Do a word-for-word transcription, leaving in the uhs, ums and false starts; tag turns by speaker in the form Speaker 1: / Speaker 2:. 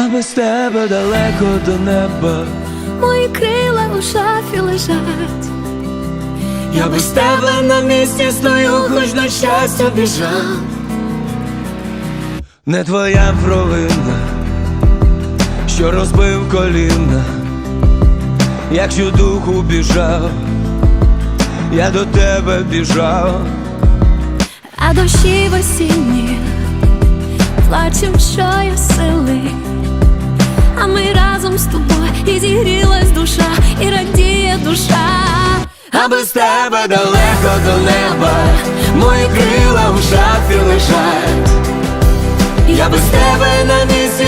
Speaker 1: без тебе далеко до неба,
Speaker 2: мої крила у шафі лежать.
Speaker 1: я без тебе на місці стою, хоч на щастя біжав. Не твоя провина, що розбив коліна, якщо духу біжав, я до тебе біжав.
Speaker 2: А дощі в осінні плачем, що є сили, а ми разом з тобою, і зігрілась душа, і радіє душа.
Speaker 1: А без тебе далеко до неба, мої крила в шафі лежать. Я без тебе на місці